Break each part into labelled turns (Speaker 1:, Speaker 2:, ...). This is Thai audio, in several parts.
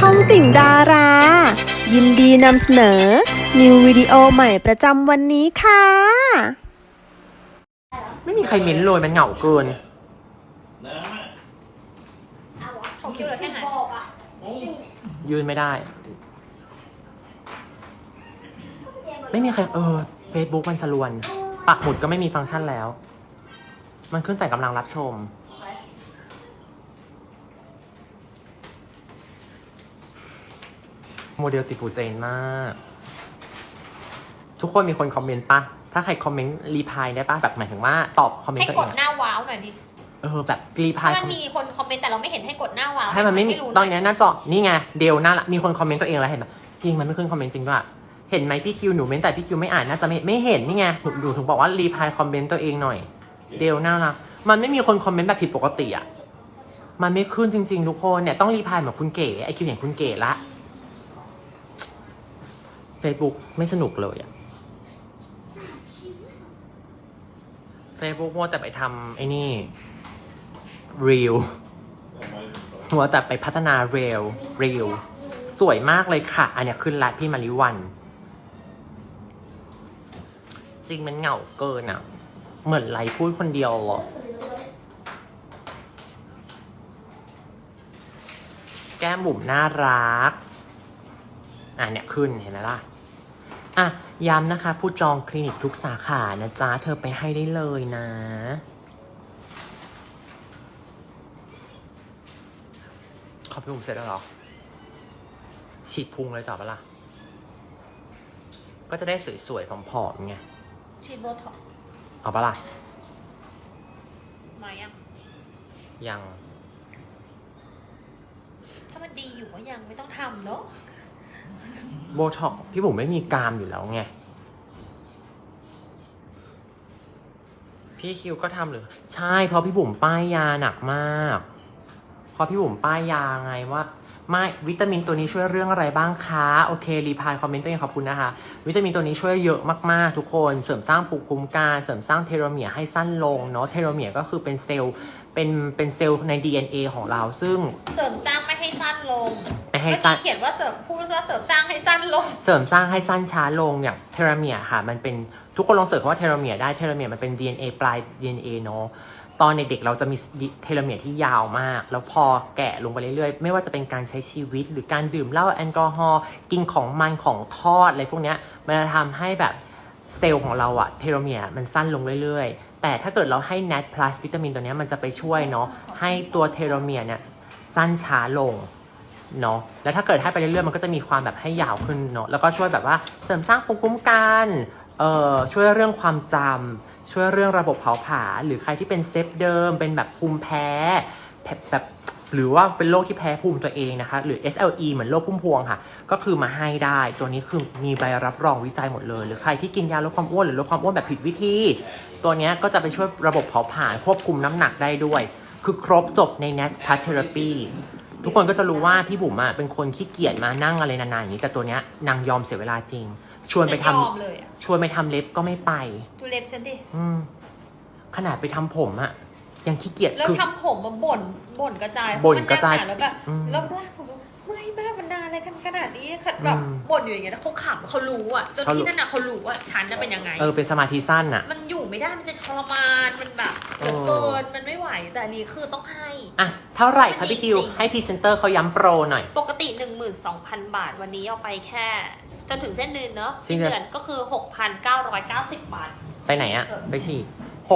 Speaker 1: องติ่งดารา ยินดีนำเสนอ นิววิดีโอใหม่ประจำวันนี้ค่ะ
Speaker 2: ไม่มีใครเม้นเลยมันเหงาเกิน
Speaker 3: ของคิวเหลือแค่ไหน
Speaker 2: ยืนไม่ได้ ไม่มีใครFacebook มันสลวน ปักหมุดก็ไม่มีฟังก์ชันแล้ว มันขึ้นแต่กำลังรับชม โมเดลติดหูเจนมาก ทุกคนมีคนคอมเมนต์ปะถ้าใครคอมเมนต์รีพายได้ปะแบบหมายถึงว่าตอบคอมเมนต์
Speaker 3: ให้
Speaker 2: ตัว
Speaker 3: ก
Speaker 2: เอ
Speaker 3: ด
Speaker 2: ง
Speaker 3: หน้าว้าวหน่อยดิ
Speaker 2: แบบรีพาย
Speaker 3: ถ้ามันมีคนคอมเมนต์แต่เราไม่เห็นให้กดหน้าว้าว
Speaker 2: ใช่มันไม่มี
Speaker 3: รู้
Speaker 2: ตอนนี้หน้าจอนี่ไงเดลหน้าละมีคนคอมเมนต์ตัวเองแล้วเห็นปะจริงมันไม่ขึ้นคอมเมนต์จริงด้วยเห็นไหมพี่คิวหนูเมนแต่พี่คิวไม่อ่านน่าจะไม่เห็นนี่ไงหนูถึงบอกว่ารีพายคอมเมนต์ตัวเองหน่อยเดลน่ารักมันไม่มีคนคอมเมนต์แบบผิดปกติอ่ะมันไม่ขึ้นจริงๆทุกคนเนี่ยต้องรีพายเหมือนคุณเก๋ไอคิวเห็นคุณเก๋ละ Facebook ไม่สนุกเลยอ่ะ Facebook มัวแต่ไปทำไอ้นี่ Reel มัวแต่ไปพัฒนา Reel สวยมากเลยค่ะอันเนี้ยขึ้นละพี่มาริวันจริงมันเหงาเกินอ่ะเหมือนไรพูดคนเดียวหรอแก้มบุ๋มน่ารักเนี่ยขึ้นเห็นไหมล่ะย้ำนะคะผู้จองคลินิกทุกสาขานะจ๊ะเธอไปให้ได้เลยนะขอบพี่บุ๋มเสร็จแล้วเหรอฉีดพุงเลยต่อปะล่ะก็จะได้สวยๆผอมๆไง
Speaker 3: ฉีดโบท็อกซ์
Speaker 2: เอาปะล่ะ
Speaker 3: มายัง
Speaker 2: ยัง
Speaker 3: ถ้ามันดีอยู่ก็ยังไม่ต้องทำเนาะ
Speaker 2: โบท็อกซ์พี่บุ๋มไม่มีกรามอยู่แล้วไงพี่คิวก็ทำหรือใช่เพราะพี่บุ๋มป้ายยาหนักมากเพราะพี่บุ๋มป้ายยาไงว่าไม่วิตามินตัวนี้ช่วยเรื่องอะไรบ้างคะโอเครีพายคอมเมนต์ตัวเองขอบคุณนะคะวิตามินตัวนี้ช่วยเยอะมากๆทุกคนเสริมสร้างภูมิคุ้มกันเสริมสร้างเทโลเมียร์ให้สั้นลงเนาะเทโลเมียร์ก็คือเป็นเซลล์เป็นเซลล์ใน DNA ของเราซึ่ง
Speaker 3: เสริมสร้างไม่ให้สั้นลง
Speaker 2: ไม่ให้สั้น
Speaker 3: เขียนว่าพูดว่าเสริมสร้างให้สั้นลง
Speaker 2: เสริมสร้างให้สั้นช้าลงอย่างเทโลเมียร์ค่ะมันเป็นทุกคนลองเสิร์ชคำว่าเทโลเมียร์ได้เทโลเมียร์มันเป็น DNA ปลาย DNA เนาะตอนเด็กๆเราจะมีเทโลเมียร์ที่ยาวมากแล้วพอแก่ลงไปเรื่อยๆไม่ว่าจะเป็นการใช้ชีวิตหรือการดื่มเหล้าแอลกอฮอล์กินของมันของทอดอะไรพวกเนี้ยมันจะทำให้แบบเซลล์ของเราอะเทโลเมียร์มันสั้นลงเรื่อยๆแต่ถ้าเกิดเราให้ NAD+ วิตามินตัวนี้มันจะไปช่วยเนาะให้ตัวเทโลเมียร์เนี่ยสั้นช้าลงเนาะแล้วถ้าเกิดให้ไปเรื่อยๆมันก็จะมีความแบบให้ยาวขึ้นเนาะแล้วก็ช่วยแบบว่าเสริมสร้างภูมิคุ้มกันช่วยเรื่องความจำช่วยเรื่องระบบเผาผลาญหรือใครที่เป็นเซฟเดิมเป็นแบบภูมิแพ้แบบหรือว่าเป็นโรคที่แพ้ภูมิตัวเองนะคะหรือ SLE เหมือนโรคพุ่มพวงค่ะก็คือมาให้ได้ตัวนี้คือมีใบรับรองวิจัยหมดเลยหรือใครที่กินยาลดความอ้วนหรือลดความอ้วนแบบผิดวิธีตัวนี้ก็จะไปช่วยระบบเผาผลาญควบคุมน้ำหนักได้ด้วยคือครบจบใน NAD+ Therapy ทุกคนก็จะรู้ว่าพี่บุ๋มอะเป็นคนขี้เกียจมานั่งอะไรนานๆอย่างนี้แต่ตัวเนี้ยนางยอมเสียเวลาจริงชวนไปทำเล็บก็ไม่ไป
Speaker 3: ดูเล็บฉันดิ
Speaker 2: ขนาดไปทำผมอะยังขี้เกียจ
Speaker 3: แล้วทำผมมาบ่นกระจายแล้วแบบแล้วล่าสุดไม่แม่บรรดาอะไรกันขนาดนี้แบบบ่นอยู่อย่างเงี้ยเขาขำเขารู้อ่ะจนที่นั่นน่ะเขารู้ว่าฉันจะเป็นยังไง
Speaker 2: เป็นสมาธิสั้นอ่ะ
Speaker 3: มันอยู่ไม่ได้มันจะทรมานมันแบบเกินมันไม่ไหวแต่อันนี้คือต้องให้
Speaker 2: เท่าไหร่คะพี่คิวให้พรีเซนเตอร์เขาย้ำโปรหน่อย
Speaker 3: ปกติ 12,000 บาทวันนี้เอาไปแค่จนถึงเส้นเดือนเนาะสิ้นเดือนก็คือ 6,990 บาท
Speaker 2: ไปไหนอะไปฉีด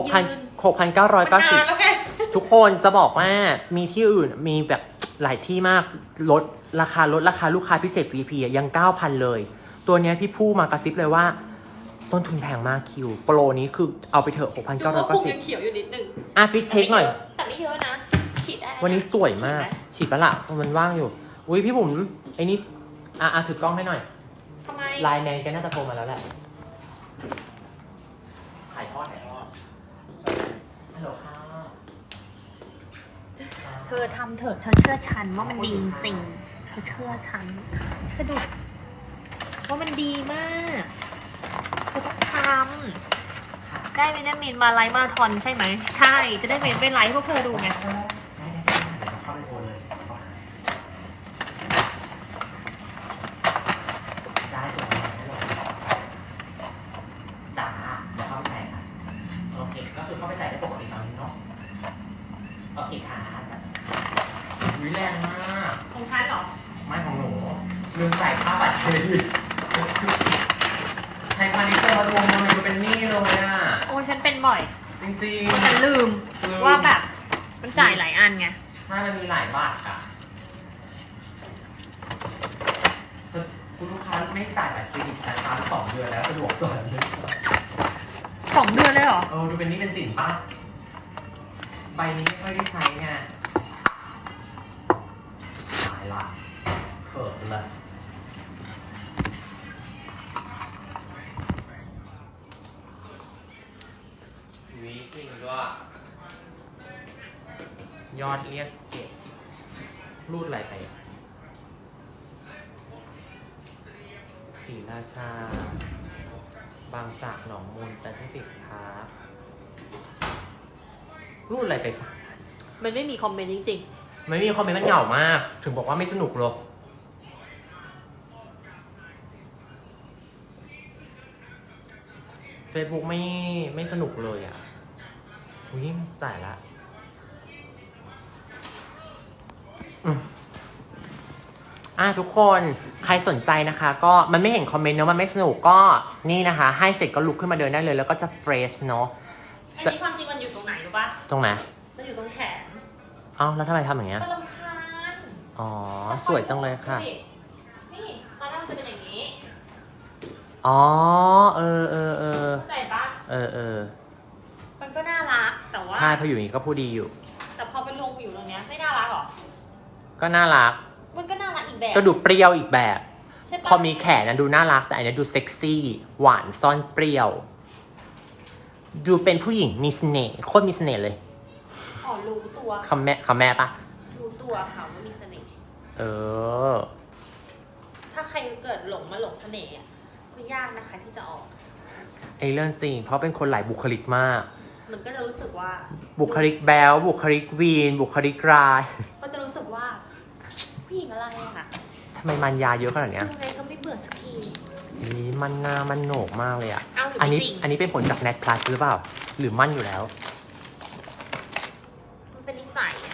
Speaker 2: 6,990ทุกคนจะบอกว่ามีที่อื่นมีแบบหลายที่มากลดราคาลูกค้าพิเศษ VIP ยัง 9,000 เลยตัวนี้พี่ผู้มากระซิบเลยว่าต้นทุนแพงมากคิวโปรนี้คือเอาไปเถอะ 6,990
Speaker 3: ยังเขียวอยู่นิดนึง
Speaker 2: ฟิตเช็คหน่อย
Speaker 3: แต่ไม่เยอะนะฉีดได้
Speaker 2: วันนี้สวยมากฉีดปะล่ะมันว่างอยู่อุ้ยพี่บุ๋มไอ้นี่ถือกล้องให้หน่อย
Speaker 3: ทำไม
Speaker 2: ไลน์แมนแกน่าจะโทรมาแล้วแหละถ่ายทอดฮัลโหลค่ะ
Speaker 3: เธอทำเถอะเธอเชื่อฉันว่ามันดีจริงเธอเชื่อฉันสะดุดว่ามันดีมากเธอต้องทำได้วิตามินมาไลฟ์มาทอนใช่ไหมใช่จะได้เป็นไลฟ์พวกเธอดูไง
Speaker 2: ลืมจ่ายค่าบัตรเครดิตไทยพาณิชย์จะมาทวงเงินมันเป็นหนี้เลยอ่ะ
Speaker 3: โอ้ฉันเป็นบ่อย
Speaker 2: จริง
Speaker 3: ฉันลืมว่าแบบมันจ่ายหลายอันไง
Speaker 2: ๆถ้ามันมีหลายบาทอ่ะคุณลูกค้าไม่จ่ายบัตรเครดิตนะคะ2 เดือนแล้วสะดวกจ่ายเลย
Speaker 3: 2 เดือนเลยเหรอ
Speaker 2: ดูเป็นหนี้เป็นสินป่ะใบนี้ไม่ค่อยได้ใช้ไงตายละเขินเลยวิจริงด้วยยอดเรียกเก็บรูดอะไรไปศรีราชา บางจากหนองมูลแต่ที่ปิดพาร์ครูดอะไรไปสัก
Speaker 3: มันไม่มีคอมเมนต์จริง
Speaker 2: ไม่มีคอมเมนต์มันเหงามาก ถึงบอกว่าไม่สนุกหรอก Facebook ไม่สนุกเลยอ่ะอุ้ยจ่ายละทุกคนใครสนใจนะคะ ก็มันไม่เห็นคอมเมนต์เนอะมันไม่สนุกก็นี่นะคะ ให้เสร็จก็ลุกขึ้นมาเดินได้เลย แล้วก็จะเฟรชเนาะ
Speaker 3: ๆ อันนี้ความจริงมันอยู่ตรงไหนรู้ปะ
Speaker 2: ตรงไหน
Speaker 3: มันอยู่ตรงแขน
Speaker 2: เอ้าแล้วทำไมทำอย่างเงี้ย
Speaker 3: มันรำคาญ
Speaker 2: อ๋อ สวยจังเลยค่ะ
Speaker 3: นี่ตอนแรกมันจะเป็นอย่างนี้
Speaker 2: อ๋อ เออ
Speaker 3: เข้าใจปะ
Speaker 2: เออ
Speaker 3: มันก็น่ารัก แต่ว่า
Speaker 2: ใช่พออยู่อย่างนี้ก็พูดดีอยู่
Speaker 3: แต่พอไปลงอยู่ตรงเนี้ยไม่น่ารักหรอ
Speaker 2: ก็น่ารัก
Speaker 3: มันก็น่ารักอีกแบบ
Speaker 2: ก็ดูเปรี้ยวอีกแบบ
Speaker 3: ใช่ปะ
Speaker 2: พอมีแขนนะดูน่ารัก แต่อันนี้ดูเซ็กซี่ หวานซ่อนเปรี้ยว ดูเป็นผู้หญิงมีเสน่ห์โคตรมีเสน่ห์เลย
Speaker 3: อ๋อรู้ตัว
Speaker 2: คำแม่ปะ
Speaker 3: รู้ตัวค่ะว่ามีเสน่ห์
Speaker 2: เออ
Speaker 3: ถ้าใครเกิดหลงเสน่ห์อ่ะก็ยากนะคะที่จะออก
Speaker 2: ไอเรื่องจริง เพราะเป็นคนหลายบุคลิกมาก
Speaker 3: มันก็จะรู้สึกว่า
Speaker 2: บุคลิกแบลบุคลิกวีน บุคลิกร้าย
Speaker 3: ก็จะรู้สึกว่าผู้หญิงอะไรอะค่ะ
Speaker 2: ทำไมมันยาเยอะขนาดเนี้ย
Speaker 3: ยังไงก็ไม่เบื่อสักที
Speaker 2: นี่มันหน้ามันโหนกมากเลยอ่ะ
Speaker 3: เอ้าหรือ
Speaker 2: อัน
Speaker 3: ไม่
Speaker 2: นี้
Speaker 3: จริง
Speaker 2: อันนี้เป็นผลจากแนทพลัสหรือเปล่า หรือมั่นอยู่แล้ว
Speaker 3: มันเป็นนิสัยอะ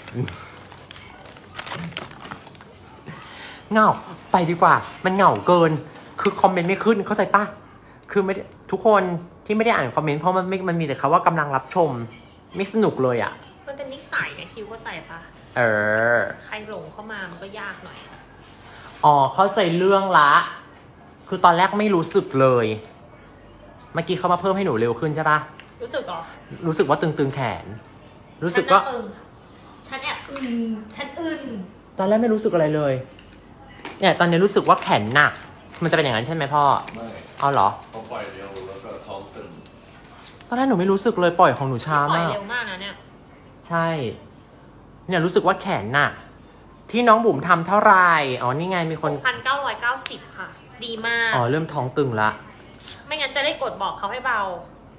Speaker 2: เหงาไปดีกว่า มันเหงาเกิน คือคอมเมนต์ไม่ขึ้นเข้าใจปะคือไม่ได้ทุกคนที่ไม่ได้อ่านคอมเมนต์เพราะมันมีแต่คำว่ากำลังรับชม ไม่สนุกเลยอ่ะ
Speaker 3: มันเป็นนิสัยไงคิวเข้าใจปะ
Speaker 2: เออ
Speaker 3: ใครหลงเข้ามามันก็ยากหน่อยอะ
Speaker 2: อ๋อเข้าใจเรื่องละ คือตอนแรกไม่รู้สึกเลย เมื่อกี้เขามาเพิ่มให้หนูเร็วขึ้นใช่ปะ
Speaker 3: รู้สึกเหรอ
Speaker 2: รู้สึกว่าตึงๆแขน รู้สึกว่า
Speaker 3: ฉันแอบฉันอึน
Speaker 2: ตอนแรกไม่รู้สึกอะไรเลย เนี่ยตอนนี้รู้สึกว่าแขนหนัก มันจะเป็นอย่างนั้นใช่ไหมพ่อ
Speaker 4: ไม่
Speaker 2: เอาเหรอ
Speaker 4: เขาปล่อยเร็วแล้วก็ท้องตึง
Speaker 2: ตอนแรกหนูไม่รู้สึกเลยปล่อยของหนูช้า
Speaker 3: ปล่อย
Speaker 2: มาก
Speaker 3: เร็วมากนะเนี่ย
Speaker 2: ใช่ เนี่ยรู้สึกว่าแขนหนัก ที่น้องบุ๋มทำเท่าไหร่อ๋อนี่ไงมีคน
Speaker 3: 6,990 ค่ะ ดีมาก
Speaker 2: อ๋อเริ่มท้องตึงละ
Speaker 3: ไม่งั้นจะได้กดบอกเขาให้เบา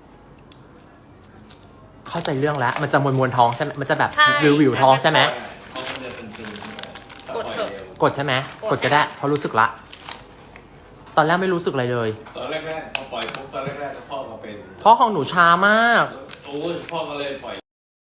Speaker 2: เข้าใจเรื่องแล้ว มันจะมวนๆท้องใช่ไหมมันจะแบบ
Speaker 3: ใช่
Speaker 2: วิวๆท้องใช่ไหม
Speaker 4: ท้องมันจะตึงๆใช่ไหมถ้าก
Speaker 3: ด
Speaker 4: ปล่อย
Speaker 3: เถอะ
Speaker 4: เร็ว
Speaker 2: กดใช่ไหมกดก็ได้เพราะรู้สึกละ ตอนแรกไม่รู้สึกอะไรเลย
Speaker 4: ตอนแรกๆพอปล่อยปุ๊บตอนแรกๆก็พ่อมาเป็น
Speaker 2: เพราะของหนูช้ามาก
Speaker 4: โอ้ยพ่อก็เลยปล่อย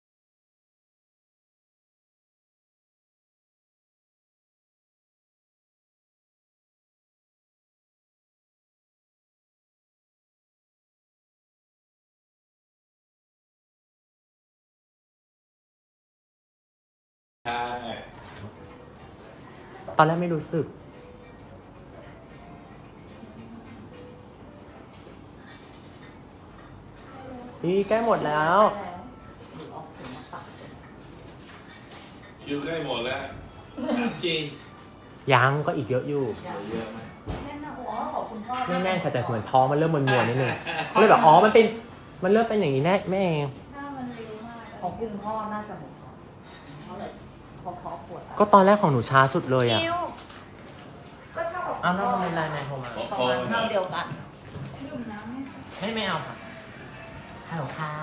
Speaker 4: ใช่
Speaker 2: ตอนแรกไม่รู้สึก นี่ใกล้หมดแล้ว
Speaker 4: คิวใกล้หมดแล้วจริง
Speaker 2: ยังก็อีกเยอะอยู่
Speaker 4: เยอะไหม
Speaker 2: ไม่แน่นค่ะแต่เหมือนท้องมันเริ่มมวนๆนิดนึงก็เลยแบบอ๋อมันเริ่มเป็นอย่างนี้แน่แม่เอง
Speaker 5: ของคุณพ่อน่าจะหมดเขาเลยพอท้อปวด
Speaker 2: ก็ตอนแรกของหนูช้าสุดเลยอ่ะ
Speaker 3: คิว
Speaker 5: ก็เท่ากับ
Speaker 2: อ้าวแล้วทำไมไลน์แมนโทรมา
Speaker 5: ประมาณเท่าเดียวกัน
Speaker 2: ไม่เอาค่ะฮัลโหลค่ะ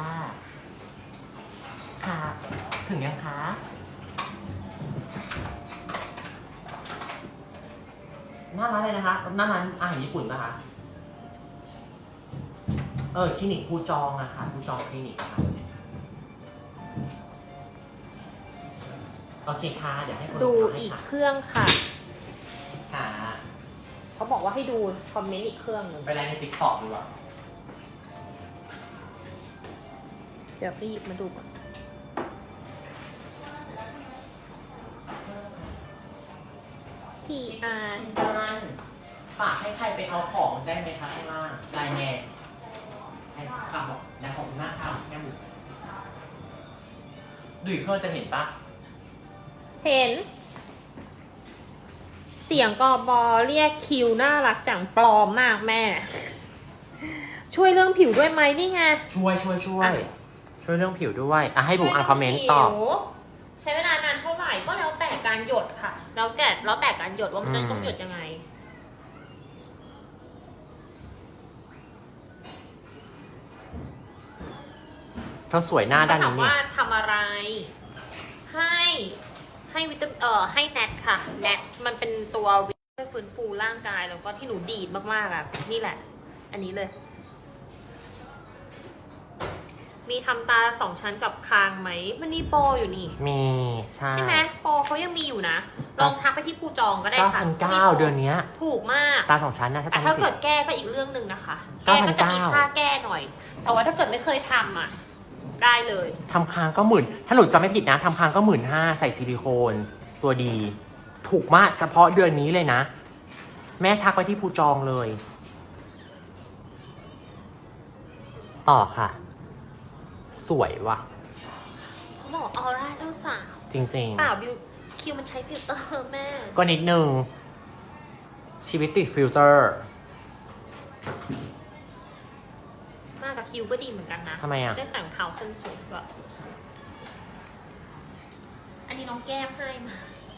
Speaker 2: ค่ะ ถึงยังคะ หน้าร้านเลยนะคะ หน้าร้านอาหารญี่ปุ่นนะคะ คลินิกภูจองอะค่ะภูจองคลินิกอะค่ะ โอเคค่ะ เดี๋ยวให้คน
Speaker 3: ดู
Speaker 2: ขาย
Speaker 3: อีก
Speaker 2: ค่ะ
Speaker 3: เครื่องค่ะ
Speaker 2: ค่ะ
Speaker 3: เขาบอกว่าให้ดูคอมเมนต์อีกเครื่องหนึ่ง
Speaker 2: ไปไลน์ใน TikTok ดีกว่า
Speaker 3: เดี๋ยวไปหยิบมาดูก่อนพี่อาร์
Speaker 2: ฝากให้ใครไปเอาของได้ไหมคะข้างล่างไลน์แมนให้ฝากบอกนะขอบคุณมากค่ะแม่หมูดูอีกเครื่องจะเห็นปะ
Speaker 3: เห็น เสียงกอบอเรียกคิวน่ารักจังปลอมมากแม่ ช่วยเรื่องผิวด้วยไหมนี่ไง
Speaker 2: ช่วยเรื่องผิวด้วยอ่ะให้บุ๋มอ่านคอมเมนต์ตอบ
Speaker 3: ใช้เวลานานเท่าไหร่ก็แล้วแต่การหยดค่ะ แล้วแต่การหยดว่ามันจะต้องหยดยังไง
Speaker 2: เธอสวยหน้าด้าน
Speaker 3: ถาม
Speaker 2: นี้
Speaker 3: ว่า
Speaker 2: เนี่ย
Speaker 3: ทำอะไร ให้วิตามินให้แนทค่ะแนทมันเป็นตัวช่วยฟื้นฟูร่างกายแล้วก็ที่หนูดีดมากๆอ่ะนี่แหละ อันนี้เลย มีทำตา2 ชั้นกับคางไหมมันมีโปรอยู่นี่
Speaker 2: มีใช่
Speaker 3: ใช่ไหมโปรเขายังมีอยู่นะ ลองทักไปที่ภูจองก็ได้ค่ะ
Speaker 2: 9,900เดือนเนี้ย
Speaker 3: ถูกมาก
Speaker 2: ตา2 ชั้นนะถ้า
Speaker 3: แต่
Speaker 2: จำ
Speaker 3: ถ้า
Speaker 2: ไม่ผิ
Speaker 3: เกิ
Speaker 2: ด
Speaker 3: ดแก้ก็อีกเรื่องหนึ่งนะคะ
Speaker 2: 9,900
Speaker 3: แก้ก็จะมีค่าแก้หน่อย แต่ว่าถ้าเกิดไม่เคยทำอ่ะ ได้เลย
Speaker 2: ทำคางก็10,000ถ้าหนูจำไม่ผิดนะทำคางก็15,000ใส่ซิลิโคนตัวดี ถูกมากเฉพาะเดือนนี้เลยนะ แม่ทักไปที่ภูจองเลย ต่อค่ะ สวยว่ะ
Speaker 3: หล่อออร่าเจ้าสาว
Speaker 2: จริง
Speaker 3: เปล่าบิวคิวมันใช้ฟิลเตอร์แม่
Speaker 2: ๆ ก็นิดนึง ชีวิตติดฟิลเตอร์
Speaker 3: มากกับคิวก็ดีเหมือนกันนะ
Speaker 2: ทำไมอ่ะ
Speaker 3: ได้แต่งเท้าส้นสูงด้วยอันนี้น้องแก้มให้มา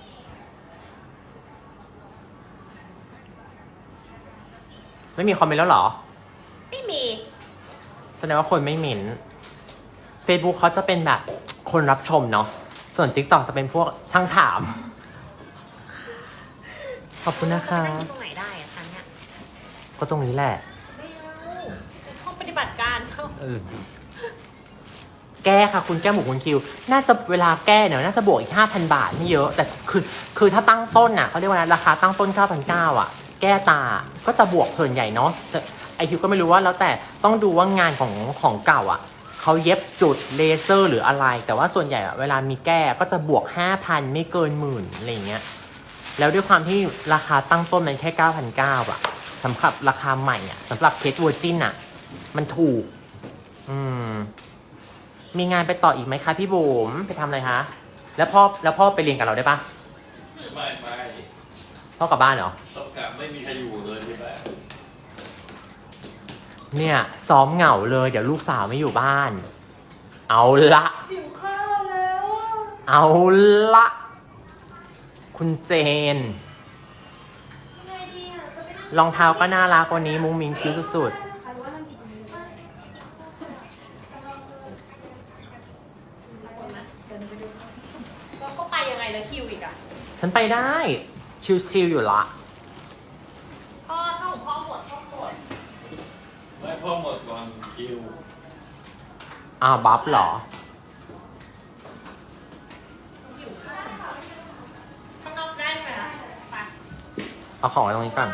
Speaker 2: ไม่มีคอมเมนต์แล้วเหรอ
Speaker 3: ไม่มี
Speaker 2: แสดงว่าคนไม่เหม็น Facebook เขาจะเป็นแบบคนรับชมเนาะ ส่วน TikTok จะเป็นพวกช่างถาม ขอบคุณนะคะ
Speaker 3: จะนั่งอยู่ตรงไหนได้อะคะเนี่ย
Speaker 2: ก็ตรงนี้แหละ
Speaker 3: ไม่เอาเป็นห้องปฏิบัติการเขา
Speaker 2: แก้ค่ะคุณแก้หมูคุณคิว น่าจะเวลาแก้เนี่ยน่าจะบวกอีก 5,000 บาทไม่เยอะ แต่คือถ้าตั้งต้นอ่ะเขาเรียกว่าราคาตั้งต้น 9,900 อ่ะ แก้ตาก็จะบวกส่วนใหญ่เนาะแต่ไอคิวก็ไม่รู้ว่าแล้วแต่ต้องดูว่างานของเก่าอ่ะเขาเย็บจุดเลเซอร์หรืออะไร แต่ว่าส่วนใหญ่อะเวลามีแก้ก็จะบวก 5,000 ไม่เกิน10,000อะไรเงี้ย แล้วด้วยความที่ราคาตั้งต้นมันแค่ 9,900 อ่ะสำหรับราคาใหม่อ่ะสำหรับเคสเวอร์จินอ่ะ มันถูก มีงานไปต่ออีกไหมคะพี่บุ๋มไปทำอะไรคะ แล้วพ่อไปเรียนกับเราได้ปะ
Speaker 4: ไม่
Speaker 2: พ่อกลับบ้านเหรอ
Speaker 4: ต้องกลับไม่มีใครอยู่เลยใช่ไหม
Speaker 2: เนี่ยซ้อมเหงาเลยเดี๋ยวลูกสาวไม่อยู่บ้าน เอาละ
Speaker 5: หิวข้าวแล้วอะ
Speaker 2: เอาละ คุณเจน
Speaker 3: ไงดีอะจะไปนั่ง
Speaker 2: รองเท้าก็น่ารักวันนี้มุ้งมิ้งคิ้วสุด
Speaker 3: เราก็ไปยังไงแล้วคิวอีกอะ
Speaker 2: ๆฉันไปได้ ชิวๆอยู่ละ
Speaker 3: พ่อถ้าของพ่อหมดพ่อหมด
Speaker 4: ไม่พ่อหมดก่อนคิว
Speaker 2: อ้าวบัฟเหรอ
Speaker 3: หิวข้าวข้างนอกได้ไหมอะไป
Speaker 2: เอาของไว้ตรงนี้ก่อน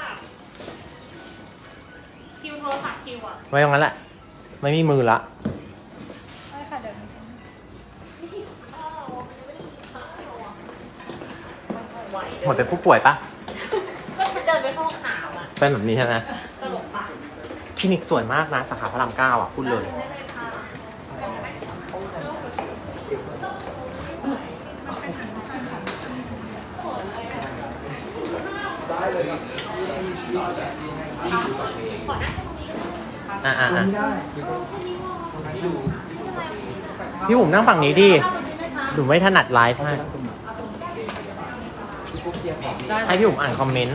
Speaker 3: คิวโทรศัพท์คิวอะ
Speaker 2: ไว้ตรงนั้นแหละ ไม่มีมือละ
Speaker 5: ได้ค่ะเดี๋ยว
Speaker 3: ข้าวมันยังไม่ได้กินข้าวอะไหวเลย
Speaker 2: หมดเป็นผู้ป่วยปะ
Speaker 3: ก็มันเดินไปเข้าห้องน้ำอะ
Speaker 2: เป็นแบบนี้ใช่ไหม
Speaker 3: ตลกปะ
Speaker 2: คลินิกสวยมากนะสาขาพระราม9อ่ะพูดเลย
Speaker 3: ได้เลยค่ะ
Speaker 2: อ่ะพี่บุ๋มนั่งฝั่งนี้ดิหนูไม่ถนัดไลฟ์ให้พี่บุ๋มอ่านคอมเมนต์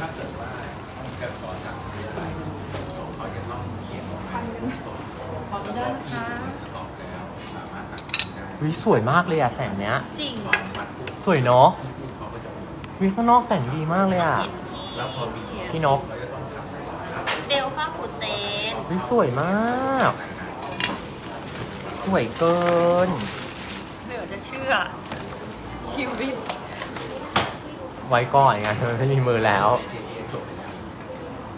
Speaker 2: วิสวยมากเลยอะแสงเนี้ย
Speaker 3: จริง
Speaker 2: สวยเนาะวิข้างนอกแสงดีมากเลยอะพี่นก
Speaker 3: เดลฟ้าปูเจน
Speaker 2: วิสวยมาก สวยเกิน
Speaker 3: เดี๋ยวจะเชื่อ ชีวิต
Speaker 2: ไว้ก่อนไงเธอไม่มีมือแล้ว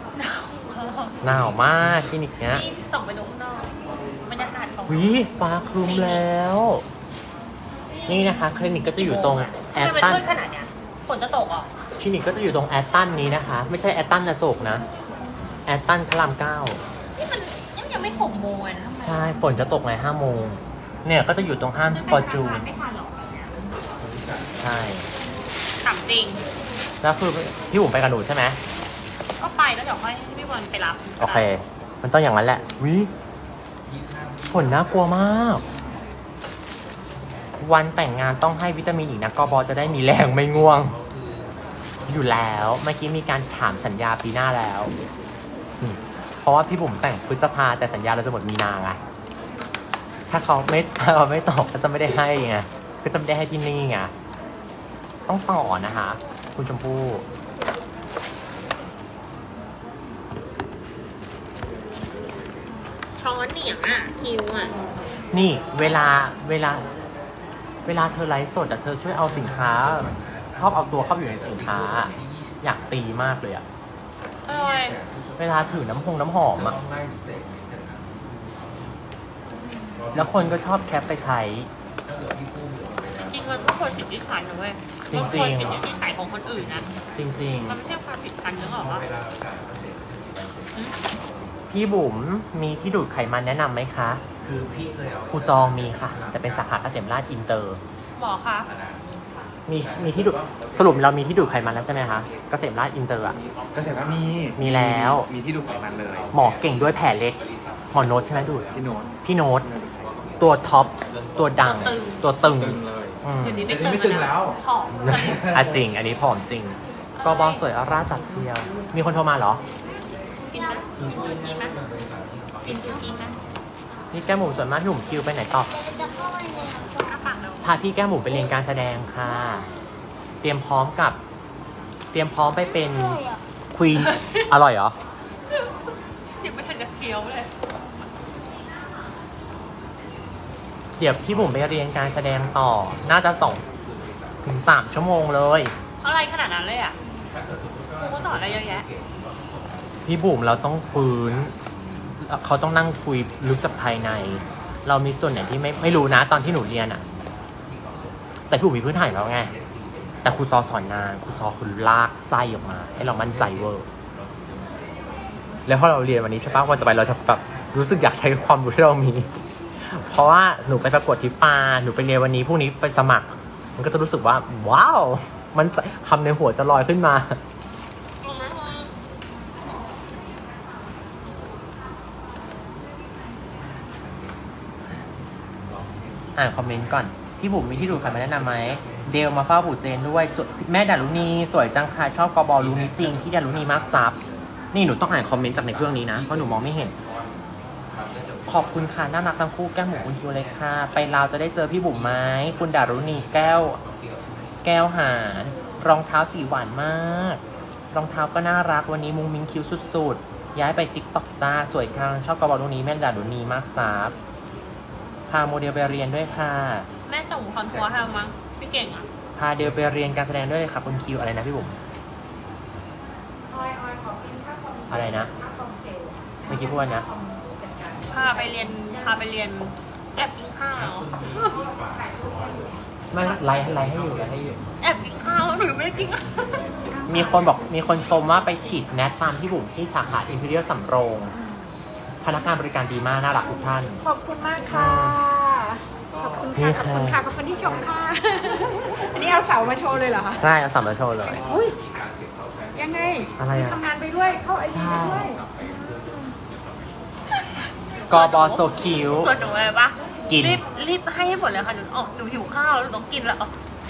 Speaker 2: หนาวมากคลินิกเนี้ย
Speaker 3: นี่ส่องไปดูข้างนอกบรรยากาศของ
Speaker 2: วิฟ้าครึ้มแล้ว นี่นะคะคลินิกก็จะอยู่ตรงแอ
Speaker 3: ทำ
Speaker 2: ต
Speaker 3: ไมมัน
Speaker 2: ตัน
Speaker 3: มืดขนาดเนี้ยฝนจะตกเหรอ
Speaker 2: คลินิกก็จะอยู่ตรงแอตตันนี้นะคะ ไม่ใช่แอตตันอโศกนะแอตตันพระรามเก้า
Speaker 3: นี่มันยังไม่6 โมงเลยนะทำไม
Speaker 2: ใช่ฝนจะตกใน5 โมงเนี่ยก็จะอยู่ตรงห้างสปอร์จูน
Speaker 3: ไม่ทันหรอกแบบเนี้ย
Speaker 2: ใช่
Speaker 3: ถามจริง
Speaker 2: แล้วคือพี่บุ๋มไปกับหนูใช่ไหม
Speaker 3: ก็ไปแล้วเดี๋ยวค่อยให้พี่บอลไปรับ
Speaker 2: โอเค มันต้องอย่างนั้นแหละวิฝนน่ากลัวมาก วันแต่งงานต้องให้วิตามินอีกนะกบจะได้มีแรงไม่ง่วง อยู่แล้วเมื่อกี้มีการถามสัญญาปีหน้าแล้วเพราะว่าพี่บุ๋มแต่งพฤษภาแต่สัญญาเราจะหมดมีนาไงถ้าเขาไม่ตอบก็จะไม่ได้ให้ไงก็จะไม่ได้ให้ที่นี่ไงต้องต่อนะคะ คุณชมพู่
Speaker 3: ช้อนเหนียงอ่ะคิวอ่ะ
Speaker 2: นี่เวลาเธอไลฟ์สดอะเธอช่วยเอาสินค้าชอบเอาตัวเข้าไปอยู่ในสินค้า อยากตีมากเลยอะ
Speaker 3: อร่อย
Speaker 2: เวลาถือน้ำหอมอะแล้วคนก็ชอบแคปไปใช้
Speaker 3: จริงมันก็ควรผิดที่ขันนะเว้ย
Speaker 2: จริงๆ
Speaker 3: มันควรผิดที่ขายของคนอื่นนะ
Speaker 2: จริง
Speaker 3: มันไม่ใช่ความผิดพันนึกออกปะ
Speaker 2: ๆ พี่บุ๋มมีที่ดูดไขมันแนะนำไหมคะ
Speaker 6: คือพี่เคยเอา
Speaker 2: ครูจองมีค่ะ แต่เป็นสาขาเกษมราชอินเตอร์
Speaker 3: หมอคะ
Speaker 2: มีที่ดูดสรุปเรามีที่ดูดไขมันแล้วใช่ไหมคะเกษมราชอินเตอร์อะ
Speaker 6: เกษตรว่ามี
Speaker 2: มีแล้ว
Speaker 6: มีที่ดูไขมันเลย
Speaker 2: หมอเก่งด้วยแผลเล็กหมอโน้ตใช่ไหมดูด
Speaker 6: พี่โน้ต
Speaker 2: พี่โน้ตตัวท็อปตัวดังตัวตึง
Speaker 6: ตึงเลย
Speaker 2: อืม
Speaker 3: เดี๋ยวนี้
Speaker 6: เดี๋
Speaker 3: ไม่
Speaker 6: ยวนี้
Speaker 3: ตึง
Speaker 6: ไม่ตึงแล้ว
Speaker 3: ผอม
Speaker 2: อ่ะจริง อันนี้ผอมจริงกบสวยออร่าตัดเชียว มีคนโทรมาเหรอ
Speaker 3: กินไหมกินจูจีไหมกินจูจีไหม
Speaker 2: นี่แก้มหมูส่วนมากหนุ่มคิวไปไหนต่อ
Speaker 3: จะเข้าไปในอ้าปากแล้ว
Speaker 2: พาพี่แก้มหมูไปเรียนการแสดงค่ะ เตรียมพร้อมไปเป็นควีน อร่อยเหรอ
Speaker 3: ยังไม่ทันจะเคี้ยวเลย
Speaker 2: เดี๋ยวพี่บุ๋มไปเรียนการแสดงต่อ น่าจะ2 ถึง 3 ชั่วโมงเลย
Speaker 3: อะไรขนาดนั้นเลยอ่ะครูก็สอนอะไรเยอะแยะ
Speaker 2: พี่บุ๋มเราต้องฟื้น เขาต้องนั่งคุยลึกจากภายใน เรามีส่วนไหนที่ไม่รู้นะตอนที่หนูเรียนอะแต่พี่บุ๋มมีพื้นฐานแล้วไง แต่ครูซอสอนนานครูซอคือลากไส้ออกมา ให้เรามั่นใจเวอร์ แล้วพอเราเรียนวันนี้ใช่ปะวันต่อไปเราจะแบบรู้สึกอยากใช้ความรู้ที่เรามี เพราะว่าหนูไปประกวดทิปาหนูไปเรียนวันนี้พรุ่งนี้ไปสมัคร มันก็จะรู้สึกว่าว้าว มันคำในหัวจะลอยขึ้นมา อ่านคอมเมนต์ก่อน พี่บุ๋มมีที่ดูดไขมันแนะนำไหม เดลมาเฝ้าปู่เจนด้วยแม่ดารุณีสวยจังค่ะชอบกบรู้นี้จริงที่ดารุณีมากซับนี่หนูต้องอ่านคอมเมนต์จากในเครื่องนี้นะเพราะหนูมองไม่เห็น ขอบคุณค่ะน่ารักทั้งคู่แก้มหมูคุณคิวเลยค่ะ ไปลาวจะได้เจอพี่บุ๋มไหมคุณดารุณีแก้วหารรองเท้าสีหวานมากรองเท้าก็น่ารักวันนี้มุงมิงคิวสุดๆย้ายไปติ๊กต็อกจ้าสวยจังชอบกบรู้นี้แม่ดารุณีมากซับพาโมเดลไปเรียนด้วยค่ะ
Speaker 3: แม่ส่งคอนทัวร์ให้มั้งพี่เก่งอ่ะ
Speaker 2: พาเดลไปเรียนการแสดงด้วยเลยค่ะคุณคิวอะไรนะพี่บุ๋มอะไรนะเมื่อกี้พูดว่านะ
Speaker 3: พาไปเรียนแอบกินข้าว
Speaker 2: ไม่ไลฟ์ให้อยู่
Speaker 3: แอบกินข้าวหนูไม่ได้กิน
Speaker 2: มีคนชมว่าไปฉีดแนทตามพี่บุ๋มที่สาขาอิมพีเรียลสำโรง พนักงานบริการดีมากน่ารักทุกท่าน
Speaker 5: ขอบคุณมากค่ะ ขอบคุณค่ะ ขอบคุณค่ะ ขอบคุณที่ชมค่ะ อันนี้เอาเสามาโชว์เลยเหรอคะ
Speaker 2: ใช่เอาสัมมาโชว์เลย
Speaker 5: อุ้ย ยังไง
Speaker 2: อะไรอะ
Speaker 5: ทำงานไปด้วย เข้าไอทีไปด้วย
Speaker 2: กบโซคิว
Speaker 3: ส่วนหนูอะไรปะ
Speaker 2: กิน
Speaker 3: รีบให้หมดเลยค่ะหนูหิวข้าวแล้วหนูต้องกินแล้ว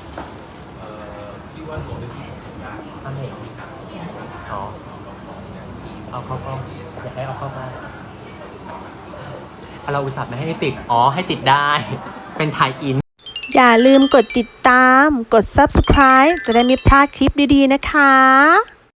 Speaker 2: อะไรอ๋อเอาเข้าอยากให้เอาเข้ามาเราอุตส่าห์ไม่ให้ติดอ๋อให้ติดได้เป็นไทยอิน
Speaker 1: อย่าลืมกดติดตาม กด subscribe จะได้ไม่พลาดคลิปดีๆนะคะ